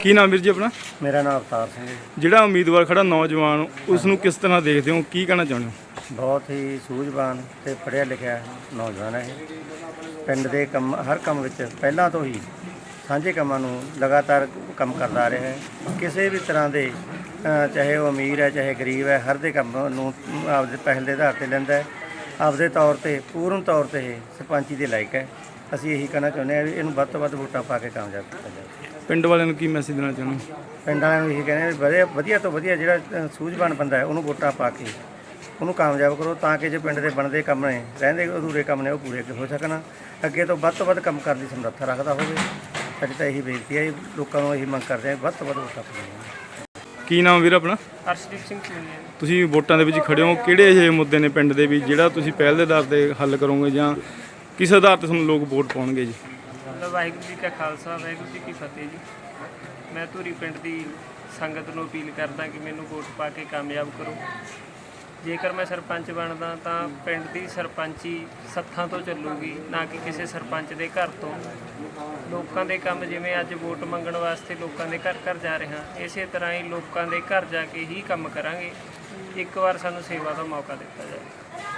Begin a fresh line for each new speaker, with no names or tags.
ਕੀ ਨਾਮ ਵੀਰ ਜੀ ਆਪਣਾ?
ਮੇਰਾ ਨਾਮ ਅਵਤਾਰ ਸਿੰਘ ਹੈ।
ਜਿਹੜਾ ਉਮੀਦਵਾਰ ਖੜਾ ਨੌਜਵਾਨ, ਉਸ ਨੂੰ ਕਿਸ ਤਰ੍ਹਾਂ ਦੇਖਦੇ ਹੋ, ਕੀ ਕਹਿਣਾ ਚਾਹੁੰਦੇ ਹੋ?
ਬਹੁਤ ਹੀ ਸੂਝਵਾਨ ਤੇ ਪੜ੍ਹਿਆ ਲਿਖਿਆ ਨੌਜਵਾਨ ਹੈ। ਪਿੰਡ ਦੇ ਕੰਮ, ਹਰ ਕੰਮ ਵਿੱਚ ਪਹਿਲਾਂ ਤੋਂ ਹੀ ਸਾਂਝੇ ਕੰਮਾਂ ਨੂੰ ਲਗਾਤਾਰ ਕੰਮ ਕਰਦਾ ਆ ਰਿਹਾ ਹੈ। ਕਿਸੇ ਵੀ ਤਰ੍ਹਾਂ ਦੇ ਚਾਹੇ ਉਹ ਅਮੀਰ ਹੈ ਚਾਹੇ ਗਰੀਬ ਹੈ, ਹਰ ਦੇ ਕੰਮ ਨੂੰ ਆਪਦੇ ਪਹਿਲ ਦੇ ਆਧਾਰ 'ਤੇ ਲੈਂਦਾ ਹੈ। ਆਪਦੇ ਤੌਰ 'ਤੇ ਪੂਰਨ ਤੌਰ 'ਤੇ ਇਹ ਸਰਪੰਚੀ ਦੇ ਲਾਇਕ ਹੈ। ਅਸੀਂ ਇਹੀ ਕਹਿਣਾ ਚਾਹੁੰਦੇ ਹਾਂ ਵੀ ਇਹਨੂੰ ਵੱਧ ਤੋਂ ਵੱਧ ਵੋਟਾਂ ਪਾ ਕੇ ਕਾਮਯਾਬ ਕੀਤਾ ਜਾਵੇ।
ਪਿੰਡ ਵਾਲਿਆਂ ਨੂੰ ਕੀ ਮੈਸੇਜ ਦੇਣਾ ਚਾਹੁੰਦੇ ਹੋ?
ਪਿੰਡ ਵਾਲਿਆਂ ਨੂੰ ਇਹੀ ਕਹਿੰਦੇ ਵੀ ਵਧੀਆ ਤੋਂ ਵਧੀਆ ਜਿਹੜਾ ਸੂਝਵਾਨ ਬੰਦਾ ਹੈ ਉਹਨੂੰ ਵੋਟਾਂ ਪਾ ਕੇ ਉਹਨੂੰ ਕਾਮਯਾਬ ਕਰੋ, ਤਾਂ ਕਿ ਜੋ ਪਿੰਡ ਦੇ ਬਣਦੇ ਕੰਮ ਨੇ, ਰਹਿੰਦੇ ਅਧੂਰੇ ਕੰਮ ਨੇ, ਉਹ ਪੂਰੇ ਹੋ ਸਕਣ। ਅੱਗੇ ਤੋਂ ਵੱਧ ਕੰਮ ਕਰਨ ਦੀ ਸਮਰੱਥਾ ਰੱਖਦਾ ਹੋਵੇ। ਸਾਡੀ ਤਾਂ ਇਹੀ ਬੇਨਤੀ ਹੈ, ਲੋਕਾਂ ਨੂੰ ਇਹੀ ਮੰਗ ਕਰਦੇ ਹਾਂ ਵੱਧ ਤੋਂ ਵੱਧ ਵੋਟਾਂ ਪਾਉਣ।
ਕੀ ਨਾਮ ਵੀਰ ਆਪਣਾ?
ਹਰਸ਼ਦੀਪ ਸਿੰਘ ਚੂਨੀਆ।
ਤੁਸੀਂ ਵੋਟਾਂ ਦੇ ਵਿੱਚ ਖੜੇ ਹੋ, ਕਿਹੜੇ ਅਜਿਹੇ ਮੁੱਦੇ ਨੇ ਪਿੰਡ ਦੇ ਵੀ ਜਿਹੜਾ ਤੁਸੀਂ ਪਹਿਲ ਦੇ ਆਧਾਰ 'ਤੇ ਹੱਲ ਕਰੋਗੇ, ਜਾਂ ਕਿਸ ਆਧਾਰ 'ਤੇ ਤੁਹਾਨੂੰ ਲੋਕ ਵੋਟ ਪਾਉਣਗੇ ਜੀ?
ਵਾਹਿਗੁਰੂ ਜੀ ਕਾ ਖਾਲਸਾ, ਵਾਹਿਗੁਰੂ ਜੀ ਕੀ ਫਤਿਹ ਜੀ। ਮੈਂ ਧੂਰੀ ਪਿੰਡ ਦੀ ਸੰਗਤ ਨੂੰ ਅਪੀਲ ਕਰਦਾ ਕਿ ਮੈਨੂੰ ਵੋਟ ਪਾ ਕੇ ਕਾਮਯਾਬ ਕਰੋ। ਜੇਕਰ ਮੈਂ ਸਰਪੰਚ ਬਣਦਾ ਤਾਂ ਪਿੰਡ ਦੀ ਸਰਪੰਚੀ ਸੱਥਾਂ ਤੋਂ ਚੱਲੂਗੀ, ਨਾ ਕਿ ਕਿਸੇ ਸਰਪੰਚ ਦੇ ਘਰ ਤੋਂ। ਲੋਕਾਂ ਦੇ ਕੰਮ, ਜਿਵੇਂ ਅੱਜ ਵੋਟ ਮੰਗਣ ਵਾਸਤੇ ਲੋਕਾਂ ਦੇ ਘਰ ਘਰ ਜਾ ਰਹੇ ਹਾਂ, ਇਸੇ ਤਰ੍ਹਾਂ ਹੀ ਲੋਕਾਂ ਦੇ ਘਰ ਜਾ ਕੇ ਹੀ ਕੰਮ ਕਰਾਂਗੇ। ਇੱਕ ਵਾਰ ਸਾਨੂੰ ਸੇਵਾ ਦਾ ਮੌਕਾ ਦਿੱਤਾ ਜਾਵੇ।